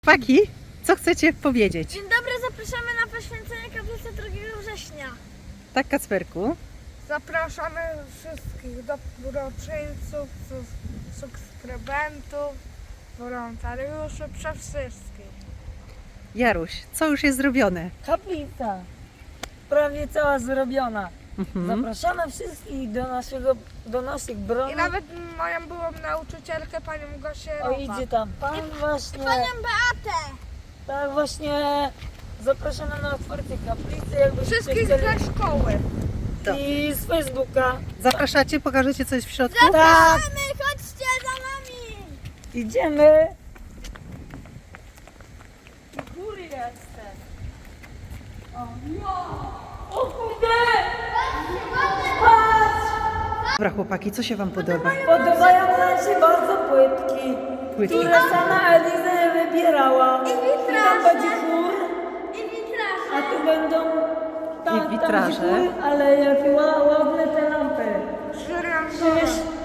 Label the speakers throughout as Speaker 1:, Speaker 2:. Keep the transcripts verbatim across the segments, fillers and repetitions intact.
Speaker 1: Chłopaki, co chcecie powiedzieć?
Speaker 2: Dzień dobry, zapraszamy na poświęcenie kaplicy drugiego września.
Speaker 1: Tak, Kacperku?
Speaker 3: Zapraszamy wszystkich dobroczyńców, subskrybentów, wolontariuszy, przede wszystkich.
Speaker 1: Jaruś, co już jest zrobione?
Speaker 4: Kaplica prawie cała zrobiona.
Speaker 1: Mhm.
Speaker 4: Zapraszamy wszystkich do naszego, do naszych
Speaker 3: I
Speaker 4: bronów.
Speaker 3: nawet moją byłą nauczycielkę, panią Gosię
Speaker 4: O, idzie tam pan właśnie.
Speaker 2: Panią Beatę!
Speaker 4: Tak właśnie. Zapraszamy na otwarcie kaplicy, jakbyście
Speaker 3: Wszystkich
Speaker 4: chcieli.
Speaker 3: ze szkoły.
Speaker 1: To.
Speaker 4: I z Facebooka.
Speaker 1: Zapraszacie, pokażecie coś w środku?
Speaker 4: Tak,
Speaker 2: Zapraszamy, chodźcie za nami!
Speaker 4: idziemy. I góry jestem. O, no! O kurde!
Speaker 1: Dobra, chłopaki, co się wam podoba?
Speaker 4: Podobają nam się bardzo płytki,
Speaker 1: Płytki.
Speaker 4: które sama Eliza wybierała.
Speaker 2: I
Speaker 4: I tam będzie chór,
Speaker 2: I witraże!
Speaker 4: a tu będą tam,
Speaker 1: I witraże.
Speaker 4: Tam będzie chór, ale jakie ła- ładne te lampy.
Speaker 3: Żyrandole.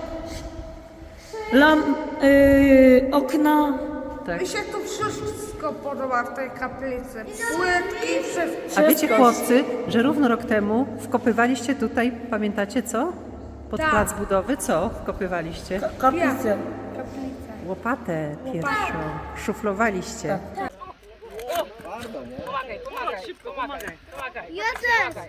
Speaker 4: Lamp, yy, okna.
Speaker 1: Tak.
Speaker 3: Mi się tu wszystko podoba w tej kaplicy. Płytki, wszystko.
Speaker 1: A wiecie, chłopcy, że równo rok temu wkopywaliście tutaj, pamiętacie co? Pod
Speaker 3: Tak.
Speaker 1: plac budowy, co wkopywaliście?
Speaker 4: Kaplicę.
Speaker 1: Łopatę pierwszą. Szuflowaliście.
Speaker 2: Jeden!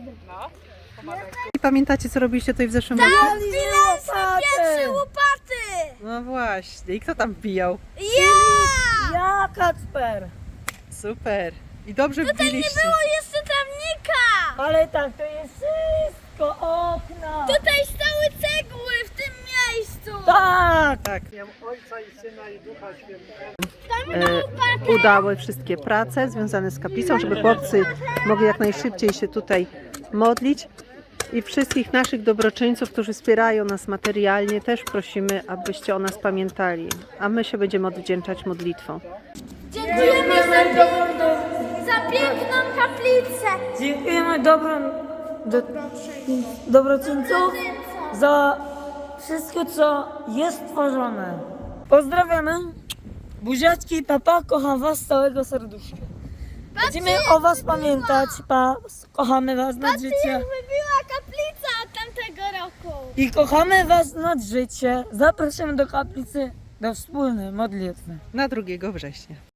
Speaker 1: I pamiętacie, co robiliście tutaj w zeszłym roku?
Speaker 2: Wbiliśmy pierwsze łopaty!
Speaker 1: No właśnie. I kto tam wbijał?
Speaker 2: Ja!
Speaker 4: Ja, Kacper.
Speaker 1: Super. I dobrze
Speaker 2: Nie
Speaker 1: wbiliście.
Speaker 2: było jeszcze trawnika!
Speaker 4: Ale tak, to jest wszystko okna.
Speaker 2: Tutaj stały cegły w tym miejscu!
Speaker 4: Tak.
Speaker 1: Tak. E, udały wszystkie prace związane z kaplicą, żeby chłopcy mogli jak najszybciej się tutaj modlić. I wszystkich naszych dobroczyńców, którzy wspierają nas materialnie, też prosimy, abyście o nas pamiętali. A my się będziemy odwdzięczać modlitwą.
Speaker 2: Dziękujemy za,
Speaker 4: Dobrą do,
Speaker 2: za piękną kaplicę!
Speaker 4: dziękujemy dobrym do, dobroczyńców za wszystko, co jest tworzone. Pozdrawiamy. Buziaczki, papa, kocham was z całego serduszka. Będziemy o was pamiętać, pa, kochamy was nad
Speaker 2: Patrzcie,
Speaker 4: życie.
Speaker 2: jak wybiła kaplica od tamtego roku!
Speaker 4: I kochamy was nad życie. Zapraszamy do kaplicy, do wspólnej modlitwy.
Speaker 1: Na drugiego września.